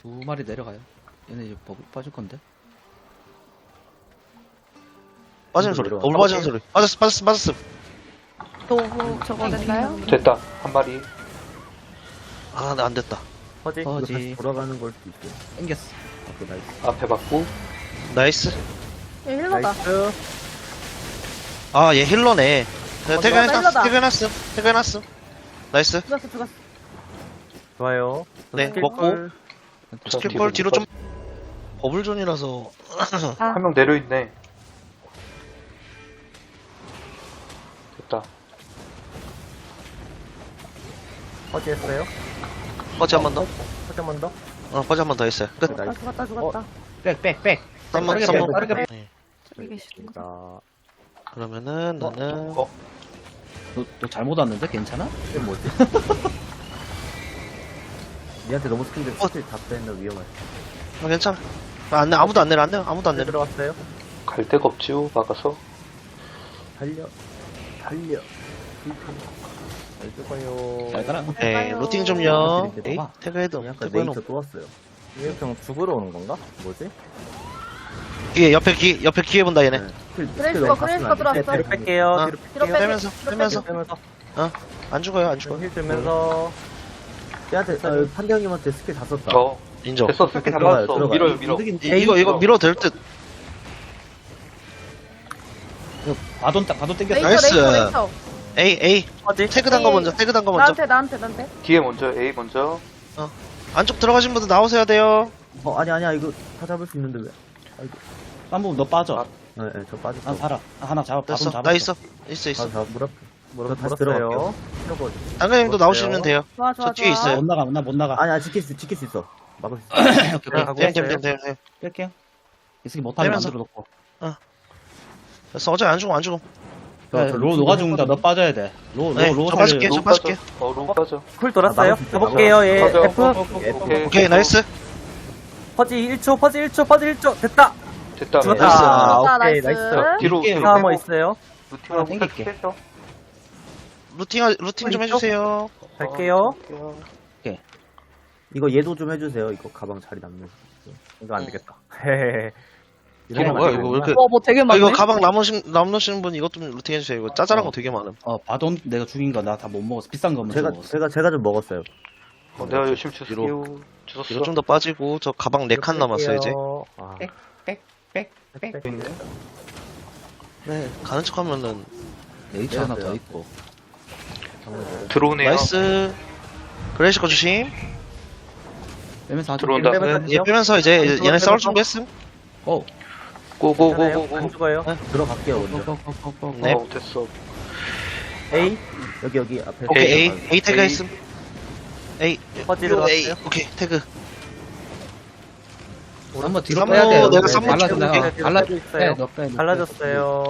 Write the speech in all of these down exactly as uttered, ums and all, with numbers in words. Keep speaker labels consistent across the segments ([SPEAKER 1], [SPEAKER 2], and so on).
[SPEAKER 1] 두 마리 내려가요. 얘네 이제 버블 빠질 건데.
[SPEAKER 2] 빠지는 소리. 올 빠지는 소리. 빠졌어, 빠졌어, 빠졌어.
[SPEAKER 3] 또 저거 됐나요?
[SPEAKER 4] 됐다. 한 마리.
[SPEAKER 2] 아, 나 안 됐다.
[SPEAKER 5] 퍼지.
[SPEAKER 1] 퍼지.
[SPEAKER 5] 이거 다시 돌아가는 걸 수도 있어요.
[SPEAKER 1] 땡겼어.
[SPEAKER 5] 오케이, 나이스.
[SPEAKER 4] 앞에 받고.
[SPEAKER 2] 나이스.
[SPEAKER 3] 얘 힐러다.
[SPEAKER 5] 나이스.
[SPEAKER 2] 아, 얘 힐러네. 네, 퇴근했어,
[SPEAKER 3] 힐러다.
[SPEAKER 2] 퇴근했어, 퇴근했어. 나이스.
[SPEAKER 3] 죽었어 죽었어.
[SPEAKER 5] 좋아요.
[SPEAKER 2] 네,
[SPEAKER 5] 스킬
[SPEAKER 2] 먹고.
[SPEAKER 5] 콜.
[SPEAKER 2] 스킬볼 뒤로 좀. 버블존이라서.
[SPEAKER 4] 한 명 내려있네. 됐다.
[SPEAKER 5] 퍼지 했어요.
[SPEAKER 2] 퍼지 한 번 더.
[SPEAKER 5] 퍼지 한 번 더.
[SPEAKER 2] 어, 퍼지 한 번 더 했어요. 끝.
[SPEAKER 3] 아, 죽었다 죽었다.
[SPEAKER 1] 백, 백, 백.
[SPEAKER 2] 쌈만,
[SPEAKER 1] 빠르게
[SPEAKER 2] 쌈만.
[SPEAKER 1] 빼, 빠르게 빼.
[SPEAKER 2] 네.
[SPEAKER 3] 저기 계시는 거.
[SPEAKER 5] 자,
[SPEAKER 2] 그러면은, 나는.
[SPEAKER 4] 어?
[SPEAKER 1] 너, 너 잘못 왔는데? 괜찮아?
[SPEAKER 5] 이게 뭐지? 니한테 너무 스킬들 스킬 다 빼는 위험해.
[SPEAKER 2] 아, 괜찮아. 아, 안 내, 아무도 안 내려, 안 내려, 아무도 안
[SPEAKER 5] 네,
[SPEAKER 2] 내려.
[SPEAKER 5] 들어갔어요.
[SPEAKER 4] 갈 데가 없지요. 막아서.
[SPEAKER 5] 달려. 달려. 잘 죽어요.
[SPEAKER 1] 잘 가라.
[SPEAKER 2] 네, 루팅 좀요.
[SPEAKER 5] 이렇게
[SPEAKER 2] 에이,
[SPEAKER 1] 봐봐.
[SPEAKER 2] 태그헤드.
[SPEAKER 5] 약간
[SPEAKER 2] 태그해놓고.
[SPEAKER 5] 네이처 또 왔어요. 이게 그냥 죽으러 오는 건가? 뭐지?
[SPEAKER 2] 뒤에, 옆에 기, 옆에 기회 본다, 얘네.
[SPEAKER 5] 네. 스킬,
[SPEAKER 3] 그레이스거,
[SPEAKER 5] 스킬 너무
[SPEAKER 3] 그레이스거
[SPEAKER 5] 갔으면 안 돼.
[SPEAKER 3] 들어왔어.
[SPEAKER 5] 뒤로 뺄게요.
[SPEAKER 2] 어.
[SPEAKER 5] 뒤로
[SPEAKER 3] 뒤로 빼.
[SPEAKER 2] 빼면서,
[SPEAKER 3] 뒤로
[SPEAKER 2] 빼면서.
[SPEAKER 5] 빼면서.
[SPEAKER 2] 안 죽어요, 안 죽어요.
[SPEAKER 5] 힐 들면서. 얘한테, 아, 판경님한테 스킬 다 썼다.
[SPEAKER 4] 어.
[SPEAKER 2] 인정.
[SPEAKER 4] 됐어. 스킬 다
[SPEAKER 5] 들어가요,
[SPEAKER 4] 받았어.
[SPEAKER 5] 들어가요.
[SPEAKER 4] 밀어요, 밀어.
[SPEAKER 2] 이, 이거, 이거 밀어도 될 듯.
[SPEAKER 1] 이거 바돈, 딱 바돈 땡겼어.
[SPEAKER 3] 레이서
[SPEAKER 2] 나이스.
[SPEAKER 3] 레이서 레이서.
[SPEAKER 2] 에이, 에이.
[SPEAKER 5] 퍼지?
[SPEAKER 2] 태그 단 거 먼저, 태그 단 거 먼저.
[SPEAKER 3] 나한테 나한테 나한테.
[SPEAKER 4] 뒤에 먼저, A 먼저.
[SPEAKER 2] 안쪽 들어가신 분들 나오셔야 돼요.
[SPEAKER 5] 어, 아니, 아니야. 이거 다 잡을 수 있는데 왜? 아이고.
[SPEAKER 1] 쌈부 너 빠져.
[SPEAKER 4] 아,
[SPEAKER 5] 네, 네, 저 빠졌어.
[SPEAKER 1] 난 살아. 아, 하나 잡아. 바돈
[SPEAKER 2] 됐어.
[SPEAKER 1] 잡았어.
[SPEAKER 2] 나 있어. 있어, 있어.
[SPEAKER 5] 다, 다, 물 앞, 물 앞,
[SPEAKER 2] 다시
[SPEAKER 5] 들어갈게요.
[SPEAKER 2] 당근님도 나오시면 돼요.
[SPEAKER 3] 좋아 좋아
[SPEAKER 2] 저 뒤에
[SPEAKER 3] 좋아.
[SPEAKER 2] 있어요.
[SPEAKER 1] 못 나가, 나 못 나가.
[SPEAKER 5] 아니, 아니, 지킬 수, 지킬 수 있어. 막을 수 있어.
[SPEAKER 1] 오케이,
[SPEAKER 5] 가고
[SPEAKER 1] 오케이.
[SPEAKER 2] 됨, 됨,
[SPEAKER 5] 있어요.
[SPEAKER 2] 됨, 됨, 됨.
[SPEAKER 1] 뺄게요. 이 새끼 못하면
[SPEAKER 2] 빼면서.
[SPEAKER 1] 만들어 놓고.
[SPEAKER 2] 됐어. 어차피 안 죽어, 안 죽어.
[SPEAKER 1] 야, 로 너가 죽는다. 너 빠져야 돼. 로,
[SPEAKER 2] 네,
[SPEAKER 1] 로, 로
[SPEAKER 2] 저
[SPEAKER 1] 살려.
[SPEAKER 2] 빠질게.
[SPEAKER 4] 로
[SPEAKER 2] 저 빠질게.
[SPEAKER 4] 빠져. 어, 로 빠져.
[SPEAKER 5] 쿨 돌았어요.
[SPEAKER 2] 아,
[SPEAKER 5] 네, 가볼게요. 예,
[SPEAKER 4] 가죠.
[SPEAKER 5] F.
[SPEAKER 4] 오케이.
[SPEAKER 2] 오케이, 나이스.
[SPEAKER 5] 퍼지 일 초, 퍼지 일 초, 퍼지 일 초. 됐다.
[SPEAKER 4] 됐다.
[SPEAKER 5] 죽었다.
[SPEAKER 2] 나이스.
[SPEAKER 5] 아,
[SPEAKER 3] 됐다,
[SPEAKER 5] 오케이,
[SPEAKER 3] 나이스.
[SPEAKER 5] 나이스.
[SPEAKER 4] 뒤로,
[SPEAKER 1] 이게
[SPEAKER 4] 뒤로
[SPEAKER 5] 하나 뭐
[SPEAKER 4] 빼고.
[SPEAKER 5] 있어요.
[SPEAKER 4] 루팅하고
[SPEAKER 1] 땡길게.
[SPEAKER 4] 패스.
[SPEAKER 2] 루팅, 루팅 좀 해주세요.
[SPEAKER 5] 갈게요.
[SPEAKER 4] 어,
[SPEAKER 5] 이거 얘도 좀 해주세요. 이거 가방 자리 남는. 이거 안
[SPEAKER 2] 응.
[SPEAKER 5] 되겠다. 헤헤헤.
[SPEAKER 2] 이거 뭐야, 이거 왜 이렇게.
[SPEAKER 3] 와, 뭐 되게
[SPEAKER 2] 아,
[SPEAKER 3] 많네.
[SPEAKER 2] 이거 가방 남으신, 남으신 분 이것 좀 루팅 해주세요. 이거 짜잘한 거 되게 많음.
[SPEAKER 1] 어, 바돈 내가 죽인 거 나 다 못 먹었어. 비싼 거만
[SPEAKER 5] 제가,
[SPEAKER 1] 먹었어.
[SPEAKER 5] 제가, 제가 좀 먹었어요.
[SPEAKER 4] 어, 내가 열심히 주세요.
[SPEAKER 2] 뒤로
[SPEAKER 4] 주웠어.
[SPEAKER 2] 좀 더 빠지고, 저 가방 네 칸 남았어요, 이제.
[SPEAKER 5] 아,
[SPEAKER 1] 백, 백, 백, 백.
[SPEAKER 4] 있네.
[SPEAKER 2] 네, 가는 척 하면은.
[SPEAKER 1] 네이처 하나
[SPEAKER 5] 내렸어요.
[SPEAKER 1] 더 있고.
[SPEAKER 4] 들어오네요.
[SPEAKER 2] 나이스. 그레이시 거 조심.
[SPEAKER 1] 빼면서 하자.
[SPEAKER 4] 들어온다.
[SPEAKER 5] 빼면서
[SPEAKER 2] 네, 얘 빼면서 이제
[SPEAKER 5] 빼면서
[SPEAKER 2] 얘네 싸울
[SPEAKER 5] 빼면서.
[SPEAKER 2] 준비했음.
[SPEAKER 1] 고!
[SPEAKER 4] 고고고고고.
[SPEAKER 5] 안 죽어요. 들어갈게요, 먼저.
[SPEAKER 1] 고고고고고.
[SPEAKER 2] 네.
[SPEAKER 4] 어, 됐어.
[SPEAKER 5] A. 여기, 여기 앞에.
[SPEAKER 2] 오케이,
[SPEAKER 4] A.
[SPEAKER 2] A. A 태그
[SPEAKER 4] A.
[SPEAKER 2] 했음. A.
[SPEAKER 5] 퍼지
[SPEAKER 2] A.
[SPEAKER 5] 들어갔어요.
[SPEAKER 2] 오케이, 태그.
[SPEAKER 1] 한번 뒤로
[SPEAKER 2] 쌈무
[SPEAKER 1] 빼야 돼.
[SPEAKER 2] 내가
[SPEAKER 1] 네,
[SPEAKER 2] 쌈무
[SPEAKER 1] 갈라져,
[SPEAKER 2] 찍어볼게.
[SPEAKER 1] 내가 갈라져.
[SPEAKER 5] 있어요.
[SPEAKER 1] 빼, 너 빼, 너 빼.
[SPEAKER 5] 갈라졌어요.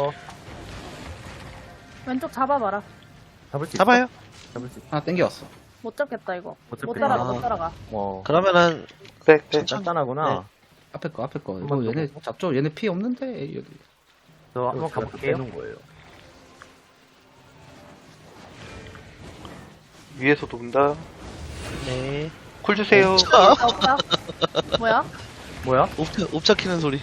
[SPEAKER 3] 왼쪽 잡아봐라.
[SPEAKER 5] 잡을 수 있어?
[SPEAKER 2] 잡아요.
[SPEAKER 5] 잡을 수 있어.
[SPEAKER 1] 하나 땡겨왔어.
[SPEAKER 3] 못 잡겠다 이거.
[SPEAKER 5] 어차피-
[SPEAKER 3] 못 따라가
[SPEAKER 2] 아.
[SPEAKER 3] 못 따라가.
[SPEAKER 5] 어.
[SPEAKER 2] 그러면은,
[SPEAKER 4] 백, 백.
[SPEAKER 5] 간단하구나.
[SPEAKER 1] 앞에 거, 앞에 거. 이거
[SPEAKER 5] 한번
[SPEAKER 1] 얘네
[SPEAKER 5] 더.
[SPEAKER 1] 잡죠? 얘네 피 없는데? 여기.
[SPEAKER 5] 저 한번
[SPEAKER 2] 그
[SPEAKER 5] 가볼게요.
[SPEAKER 2] 네.
[SPEAKER 5] 거예요.
[SPEAKER 4] 위에서 돈다.
[SPEAKER 2] 네.
[SPEAKER 4] 쿨 주세요.
[SPEAKER 2] 아,
[SPEAKER 3] 없다 없다. 뭐야?
[SPEAKER 5] 뭐야?
[SPEAKER 2] 옵차, 옵차 키는 소리.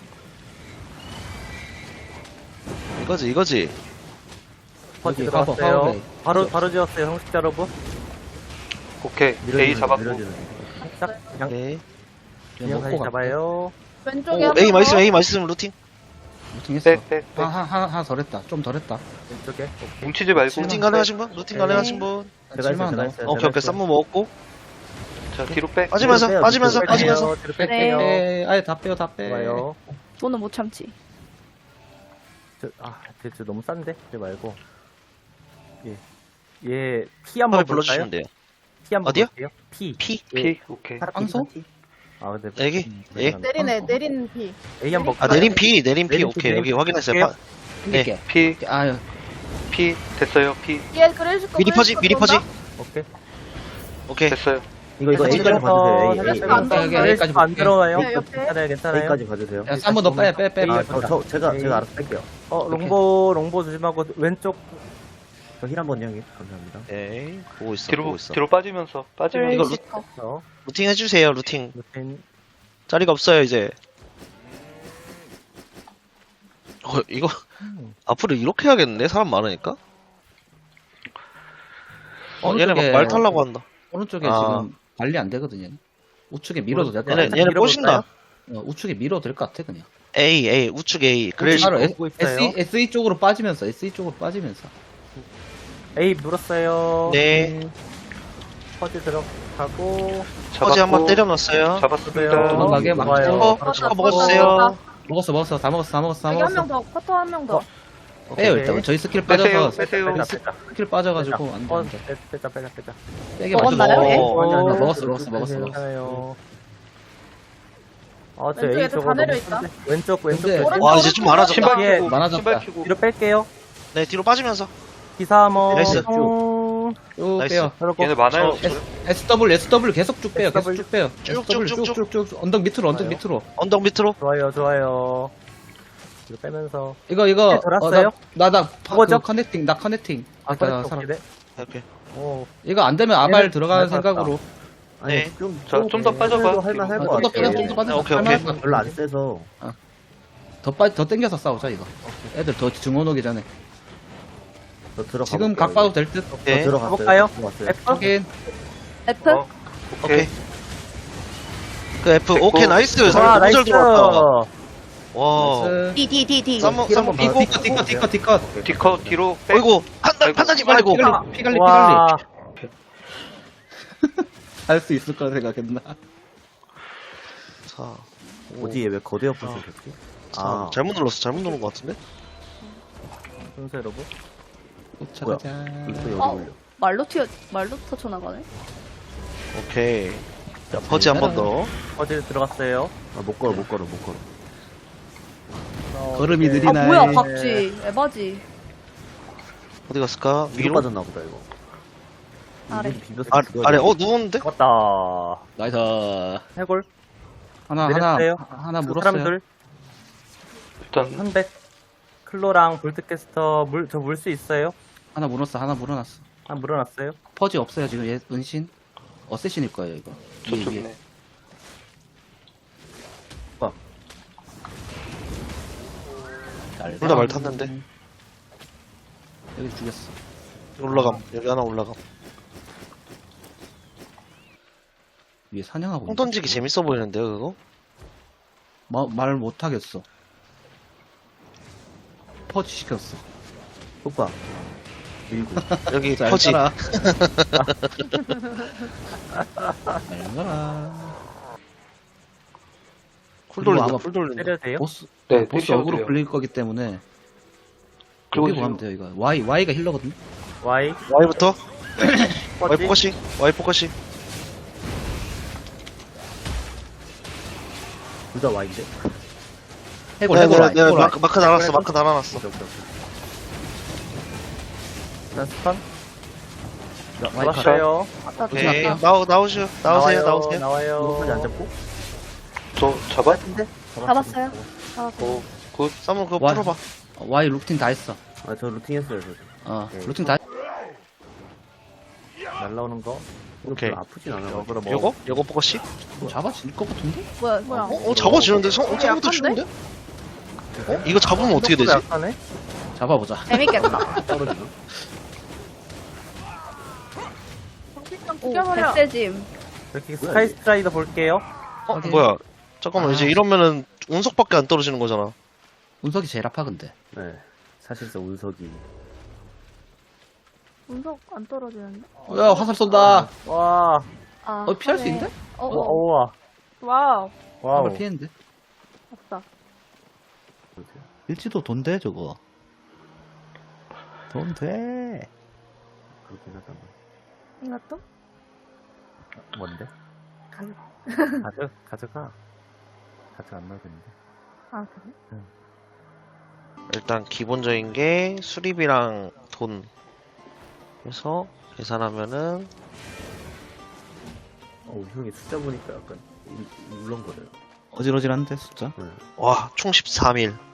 [SPEAKER 2] 이거지, 이거지.
[SPEAKER 5] 퍼지
[SPEAKER 1] 여기 가봐,
[SPEAKER 5] 들어갔어요.
[SPEAKER 1] 가봐.
[SPEAKER 5] 바로, 바로 지었어요, 형식자 여러분.
[SPEAKER 4] 오케이. A 잡았고.
[SPEAKER 5] 딱, 그냥,
[SPEAKER 2] 네.
[SPEAKER 5] 그냥 다시
[SPEAKER 1] 먹고
[SPEAKER 5] 잡아요.
[SPEAKER 3] 왼쪽에
[SPEAKER 2] 오,
[SPEAKER 3] 한
[SPEAKER 2] A
[SPEAKER 3] 번
[SPEAKER 2] 맛있으면
[SPEAKER 3] 더.
[SPEAKER 2] A 맛있으면 루팅.
[SPEAKER 1] 루팅했어.
[SPEAKER 4] 백, 백, 백.
[SPEAKER 1] 하나, 하나, 하나 덜 했다. 좀 덜 했다.
[SPEAKER 5] 왼쪽에.
[SPEAKER 4] 뭉치지 말고.
[SPEAKER 2] 루팅 가능하신 분? 루팅
[SPEAKER 5] 네.
[SPEAKER 2] 가능하신 분?
[SPEAKER 5] 제가 했어요, 제가
[SPEAKER 1] 칠만
[SPEAKER 5] 했어요.
[SPEAKER 2] 오케이, 오케이. 쌈무 먹었고.
[SPEAKER 4] 자, 뒤로 백.
[SPEAKER 2] 빠지면서,
[SPEAKER 5] 뒤로 빼요,
[SPEAKER 2] 빠지면서,
[SPEAKER 5] 뒤로
[SPEAKER 2] 빠지면서.
[SPEAKER 5] 빼요, 뒤로
[SPEAKER 1] 네.
[SPEAKER 5] 뺄게요.
[SPEAKER 1] 빼, 아예 다 빼요, 다 빼.
[SPEAKER 5] 좋아요.
[SPEAKER 3] 너는 못 참지.
[SPEAKER 5] 저, 아, 쟤, 저 너무 싼데? 쟤 말고. 예. 얘, P 한번
[SPEAKER 2] 한번 불러주시면 돼요.
[SPEAKER 5] P 한번
[SPEAKER 2] 어디요?
[SPEAKER 5] 볼게요. P.
[SPEAKER 2] P.
[SPEAKER 4] P. 오케이.
[SPEAKER 1] 빵소?
[SPEAKER 5] 아, 근데.
[SPEAKER 2] 여기?
[SPEAKER 5] 음,
[SPEAKER 2] 예?
[SPEAKER 3] 내리네 내린 피.
[SPEAKER 5] A 한번
[SPEAKER 2] 아, 내린 P, 내린 P.
[SPEAKER 5] 내린
[SPEAKER 2] 오케이,
[SPEAKER 5] P,
[SPEAKER 2] 여기 확인했어요.
[SPEAKER 5] 내린
[SPEAKER 2] 파-
[SPEAKER 1] 땡길게.
[SPEAKER 4] P.
[SPEAKER 1] 아유,
[SPEAKER 4] P. 됐어요. P.
[SPEAKER 3] 얘 그레이스 거.
[SPEAKER 2] 미리 퍼지, 미리 퍼지.
[SPEAKER 5] 오케이.
[SPEAKER 2] 오케이.
[SPEAKER 4] 됐어요.
[SPEAKER 5] 이거, 이거
[SPEAKER 2] 살짝
[SPEAKER 5] A까지 봐주세요. A, A,
[SPEAKER 3] 살짝 안
[SPEAKER 5] A.
[SPEAKER 1] 여기 A까지
[SPEAKER 5] 안
[SPEAKER 1] 볼게.
[SPEAKER 5] 들어가요.
[SPEAKER 3] 네, 옆에.
[SPEAKER 5] 괜찮아요, 괜찮아요. A까지 봐주세요.
[SPEAKER 1] 야, 쌈무 너 빼, 빼, 빼.
[SPEAKER 5] 아,
[SPEAKER 1] 빼.
[SPEAKER 5] 저, 저, 제가, 제가 알아서 뺄게요. 어, 롱보, 롱보 조심하고, 왼쪽. 저 힐 한번 형님. 감사합니다.
[SPEAKER 2] 오케이. 보고 있어,
[SPEAKER 4] 뒤로,
[SPEAKER 2] 보고 있어.
[SPEAKER 4] 뒤로 빠지면서. 빠지면서.
[SPEAKER 2] 이거
[SPEAKER 3] 그레이스 거.
[SPEAKER 5] 저.
[SPEAKER 2] 루팅 해주세요, 루팅.
[SPEAKER 5] 루틴.
[SPEAKER 2] 자리가 없어요, 이제. 어, 이거, 앞으로 이렇게 해야겠는데? 사람 많으니까? 어, 얘네 막
[SPEAKER 1] 오른쪽에-
[SPEAKER 2] 말 타려고 한다.
[SPEAKER 1] 오른쪽에
[SPEAKER 2] 아.
[SPEAKER 1] 지금 관리 안 되거든요. 우측에 밀어도 될 것
[SPEAKER 2] 얘네,
[SPEAKER 1] 같아.
[SPEAKER 2] 얘네
[SPEAKER 5] 밀어볼까요?
[SPEAKER 2] 꼬신다.
[SPEAKER 1] 어, 우측에 밀어도 될 것 같아 그냥.
[SPEAKER 2] A, A, 우측 A. 그래,
[SPEAKER 1] 바로 S,
[SPEAKER 5] 보고 있어요.
[SPEAKER 1] SE, 에스이 쪽으로 빠지면서 에스이 쪽으로 빠지면서.
[SPEAKER 5] A 물었어요.
[SPEAKER 2] 네.
[SPEAKER 5] 퍼지 들어가고.
[SPEAKER 2] 퍼지 한번
[SPEAKER 4] 잡았고,
[SPEAKER 2] 때려놨어요.
[SPEAKER 4] 잡았습니다.
[SPEAKER 1] 도망가게 막
[SPEAKER 5] 좋아요.
[SPEAKER 2] 어,
[SPEAKER 5] 바로
[SPEAKER 2] 스커
[SPEAKER 5] 잡고.
[SPEAKER 2] 먹어주세요.
[SPEAKER 1] 먹었어 먹었어 다 먹었어 다 먹었어 다
[SPEAKER 3] 여기 한
[SPEAKER 1] 먹었어.
[SPEAKER 3] 명 더, 커터 한 명 더.
[SPEAKER 5] 어.
[SPEAKER 1] 빼요
[SPEAKER 5] 오케이.
[SPEAKER 1] 일단 저희 스킬
[SPEAKER 4] 빼세요,
[SPEAKER 1] 빠져서
[SPEAKER 4] 빼세요.
[SPEAKER 5] 빼자, 빼자.
[SPEAKER 1] 스킬 빠져가지고 안 돼.
[SPEAKER 5] 어,
[SPEAKER 1] 안 돼.
[SPEAKER 5] 빼- 빼자, 빼자, 빼자.
[SPEAKER 1] 빼게
[SPEAKER 3] 먹었나요,
[SPEAKER 1] 맞춰서-
[SPEAKER 3] 얘?
[SPEAKER 2] 어,
[SPEAKER 5] 아니, 아니,
[SPEAKER 1] 어,
[SPEAKER 5] 아니.
[SPEAKER 1] 먹었어, 먹었어, 먹었어, 먹었어.
[SPEAKER 5] 괜찮아요. 어, 저
[SPEAKER 3] 왼쪽
[SPEAKER 5] A
[SPEAKER 3] 애들
[SPEAKER 5] 쪽으로
[SPEAKER 3] 다
[SPEAKER 5] 너무
[SPEAKER 3] 내려있다.
[SPEAKER 5] 큰데? 왼쪽, 왼쪽.
[SPEAKER 1] 근데-
[SPEAKER 5] 왼쪽.
[SPEAKER 2] 와, 이제 좀 많아졌다.
[SPEAKER 4] 신발
[SPEAKER 5] 예,
[SPEAKER 4] 키고,
[SPEAKER 1] 많아졌다.
[SPEAKER 4] 신발 키고.
[SPEAKER 5] 뒤로 뺄게요.
[SPEAKER 2] 네, 뒤로 빠지면서.
[SPEAKER 5] 기사 한번.
[SPEAKER 2] 나이스.
[SPEAKER 5] 쭉.
[SPEAKER 1] 쭉
[SPEAKER 2] 나이스.
[SPEAKER 1] 빼요.
[SPEAKER 5] 그리고
[SPEAKER 4] 얘네 많아요.
[SPEAKER 2] 저-
[SPEAKER 1] S, SW SW 계속 쭉 빼요. 계속
[SPEAKER 5] SW.
[SPEAKER 1] 쭉 빼요.
[SPEAKER 2] 쭉,
[SPEAKER 1] SW
[SPEAKER 2] 쭉, 쭉,
[SPEAKER 1] 쭉쭉쭉 언덕 밑으로 언덕
[SPEAKER 5] 좋아요.
[SPEAKER 1] 밑으로.
[SPEAKER 2] 언덕 밑으로.
[SPEAKER 5] 좋아요, 좋아요. 뒤로 빼면서.
[SPEAKER 1] 이거 이거
[SPEAKER 5] 네, 돌았어요?
[SPEAKER 1] 나나
[SPEAKER 5] 그거죠?
[SPEAKER 1] 커넥팅 나 커넥팅.
[SPEAKER 5] 아,
[SPEAKER 1] 아까
[SPEAKER 5] 그래,
[SPEAKER 1] 살아.
[SPEAKER 5] 오케이.
[SPEAKER 2] 오케이.
[SPEAKER 5] 오.
[SPEAKER 1] 이거 안 되면 아발
[SPEAKER 5] 얘는
[SPEAKER 1] 들어가는
[SPEAKER 5] 잘 봤다.
[SPEAKER 1] 생각으로.
[SPEAKER 2] 네.
[SPEAKER 6] 좀,
[SPEAKER 4] 자, 좀더 빠져봐.
[SPEAKER 6] 할만 할
[SPEAKER 1] 아,
[SPEAKER 6] 것
[SPEAKER 1] 좀더
[SPEAKER 6] 같아요.
[SPEAKER 1] 빼요. 좀더 빠져.
[SPEAKER 2] 오케이, 오케이.
[SPEAKER 1] 할만하다.
[SPEAKER 6] 별로 안 세서.
[SPEAKER 1] 더빠더 땡겨서 싸우자 이거. 애들 더 증원 오기 전에.
[SPEAKER 6] 저 들어가.
[SPEAKER 1] 지금 각 봐도 될 듯.
[SPEAKER 2] 네.
[SPEAKER 6] 저 들어갔어요.
[SPEAKER 5] 가볼까요?
[SPEAKER 6] 들어갔어요.
[SPEAKER 5] F?
[SPEAKER 1] 확인.
[SPEAKER 3] F?
[SPEAKER 4] 어,
[SPEAKER 2] 오케이.
[SPEAKER 4] 오케이.
[SPEAKER 2] 그 F,
[SPEAKER 4] 됐고.
[SPEAKER 2] 오케이, 나이스.
[SPEAKER 5] 와,
[SPEAKER 2] 잘, 너무
[SPEAKER 5] 나이스.
[SPEAKER 2] 잘 들어왔다. 와.
[SPEAKER 1] 나이스.
[SPEAKER 3] D, D, D, D.
[SPEAKER 2] 쌈먹, 쌈먹
[SPEAKER 1] 디컷
[SPEAKER 2] 미고.
[SPEAKER 1] 디컷 디컷 디컷.
[SPEAKER 4] 디커 뒤로 빼.
[SPEAKER 2] 어이구, 판단, 판단지 말고.
[SPEAKER 1] 피갈리 피갈리 피갈리.
[SPEAKER 5] 와,
[SPEAKER 1] 할 수 있을 거라 생각했나?
[SPEAKER 2] 자,
[SPEAKER 6] 어디에 왜 거대 옆으로 됐지?
[SPEAKER 2] 아, 잘못 눌렀어. 잘못 누른 것 같은데?
[SPEAKER 5] 순서 여러분.
[SPEAKER 1] 쫓아가자.
[SPEAKER 6] 불도 여기
[SPEAKER 3] 어,
[SPEAKER 6] 올려.
[SPEAKER 3] 말로 튀어, 말로 터쳐나가네.
[SPEAKER 2] 오케이. 자, 퍼지 한 번 더.
[SPEAKER 5] 어디 들어갔어요?
[SPEAKER 6] 아, 못 걸어, 못 걸어, 못 걸어.
[SPEAKER 5] 어,
[SPEAKER 1] 걸음이
[SPEAKER 5] 오케이.
[SPEAKER 3] 아,
[SPEAKER 1] 느리나요?
[SPEAKER 3] 뭐야,
[SPEAKER 1] 네.
[SPEAKER 3] 박쥐. 에바지.
[SPEAKER 2] 어디 갔을까?
[SPEAKER 6] 위로
[SPEAKER 2] 위로?
[SPEAKER 6] 빠졌나 보다, 이거.
[SPEAKER 3] 아래.
[SPEAKER 6] 이분이 비벼서
[SPEAKER 2] 아,
[SPEAKER 6] 죽어야
[SPEAKER 2] 아래,
[SPEAKER 6] 돼.
[SPEAKER 2] 어, 누웠는데?
[SPEAKER 5] 잡았다.
[SPEAKER 1] 나이스.
[SPEAKER 5] 해골.
[SPEAKER 1] 하나
[SPEAKER 5] 내렸어요.
[SPEAKER 1] 하나 하나
[SPEAKER 5] 그
[SPEAKER 1] 물었어요.
[SPEAKER 5] 사람들.
[SPEAKER 4] 일단
[SPEAKER 5] 현백. 클로랑 볼트캐스터 물, 저 물 수 있어요?
[SPEAKER 1] 하나 물었어. 하나 물어놨어.
[SPEAKER 5] 아, 물어놨어요?
[SPEAKER 1] 퍼지 없어요 지금 얘 은신. 어쌔신일 거예요 이거. 위에, 위에.
[SPEAKER 4] 저쪽이네.
[SPEAKER 1] 잘
[SPEAKER 2] 둘 다 말
[SPEAKER 1] 가.
[SPEAKER 2] 탔는데.
[SPEAKER 1] 여기 죽였어.
[SPEAKER 2] 올라감. 여기 하나 올라감.
[SPEAKER 1] 위에 사냥하고.
[SPEAKER 2] 콩 던지기 재밌어 보이는데요, 그거?
[SPEAKER 1] 마, 말 못하겠어. 퍼지 시켰어.
[SPEAKER 6] 오빠. 밀고.
[SPEAKER 2] 여기
[SPEAKER 1] 잘
[SPEAKER 2] 퍼지.
[SPEAKER 1] 가라. 잘 가라.
[SPEAKER 2] 쿨
[SPEAKER 1] 그리고
[SPEAKER 2] 돌린다,
[SPEAKER 1] 아마
[SPEAKER 2] 쿨 돌린다.
[SPEAKER 5] 때려도 돼요?
[SPEAKER 1] 보스
[SPEAKER 4] 네,
[SPEAKER 1] 보스
[SPEAKER 4] 때려도
[SPEAKER 1] 어그로
[SPEAKER 4] 돼요.
[SPEAKER 1] 불릴 거기 때문에
[SPEAKER 4] 그리고
[SPEAKER 1] 그리고 하면 돼요 이거. Y Y가 힐러거든.
[SPEAKER 5] Y.
[SPEAKER 2] Y부터? Y
[SPEAKER 5] 퍼지.
[SPEAKER 2] 포커싱, Y 포커싱.
[SPEAKER 6] 둘 다 와인데?
[SPEAKER 1] 해골
[SPEAKER 2] 네,
[SPEAKER 1] 해골
[SPEAKER 2] 네,
[SPEAKER 1] Y.
[SPEAKER 2] 네,
[SPEAKER 1] 해골 Y.
[SPEAKER 2] 마크, 마크 달아놨어, 마크 달아놨어.
[SPEAKER 6] 오케이, 오케이, 오케이.
[SPEAKER 5] 난 스턴.
[SPEAKER 1] Y 컷.
[SPEAKER 5] 잡았어요.
[SPEAKER 3] 아따,
[SPEAKER 2] 오케이.
[SPEAKER 1] 조심할게요.
[SPEAKER 2] 나오, 나오시오. 나오세요,
[SPEAKER 5] 나와요.
[SPEAKER 2] 나오세요.
[SPEAKER 5] 나와요.
[SPEAKER 6] 이거까지 안 잡고?
[SPEAKER 4] 저 잡아?
[SPEAKER 3] 잡았어요. 잡았어요.
[SPEAKER 4] 오, 굿.
[SPEAKER 2] 쌈은 그거
[SPEAKER 1] 와.
[SPEAKER 2] 풀어봐.
[SPEAKER 1] 어, Y 루틴 다 했어.
[SPEAKER 6] 아, 저 루팅 했어요, 저.
[SPEAKER 1] 어
[SPEAKER 6] 오케이.
[SPEAKER 1] 루틴 다.
[SPEAKER 5] 날라오는 거.
[SPEAKER 6] 이거
[SPEAKER 2] 오케이.
[SPEAKER 6] 별로 아프진 않아.
[SPEAKER 5] 역으로 뭐.
[SPEAKER 2] 요거? 요거 포커싱?
[SPEAKER 1] 뭐 잡아질 것 같은데?
[SPEAKER 3] 뭐야, 뭐야.
[SPEAKER 2] 어, 어, 잡아지는데? 성,
[SPEAKER 3] 어,
[SPEAKER 2] 생각보다
[SPEAKER 3] 약한데?
[SPEAKER 2] 쉬운데? 어? 이거 잡으면 어떻게 되지?
[SPEAKER 5] 약하네?
[SPEAKER 1] 잡아보자.
[SPEAKER 3] 재밌겠다.
[SPEAKER 6] 떨어지나?
[SPEAKER 3] 오, 백세짐.
[SPEAKER 5] 이렇게 스카이 스트라이더 볼게요.
[SPEAKER 2] 어,
[SPEAKER 1] 오케이.
[SPEAKER 2] 뭐야. 잠깐만,
[SPEAKER 1] 아.
[SPEAKER 2] 이제 이러면은 운석밖에 안 떨어지는 거잖아.
[SPEAKER 1] 운석이 제일 아파 근데.
[SPEAKER 6] 네. 사실상 운석이.
[SPEAKER 3] 운석 안 떨어지는데?
[SPEAKER 1] 야 화살 쏜다.
[SPEAKER 5] 와.
[SPEAKER 3] 아.
[SPEAKER 1] 어 피할 수
[SPEAKER 3] 하네.
[SPEAKER 1] 있는데?
[SPEAKER 3] 어,
[SPEAKER 5] 우와.
[SPEAKER 3] 어.
[SPEAKER 5] 우와.
[SPEAKER 3] 와우.
[SPEAKER 5] 와우.
[SPEAKER 1] 화살 피했는데.
[SPEAKER 3] 없다.
[SPEAKER 1] 일지도 돈돼 저거. 돈 돼.
[SPEAKER 6] 그렇긴 하다.
[SPEAKER 3] 이것도?
[SPEAKER 5] 뭔데?
[SPEAKER 3] 가격.
[SPEAKER 5] 가져, 가져가. 가져 안 나오겠는데.
[SPEAKER 3] 아, 그래?
[SPEAKER 2] 일단 기본적인 게 수리비랑 돈. 그래서 계산하면은
[SPEAKER 6] 어, 형이 숫자 보니까 약간 울- 울렁거려요.
[SPEAKER 1] 어질어질한데 숫자.
[SPEAKER 6] 네.
[SPEAKER 2] 와, 총 십삼 일.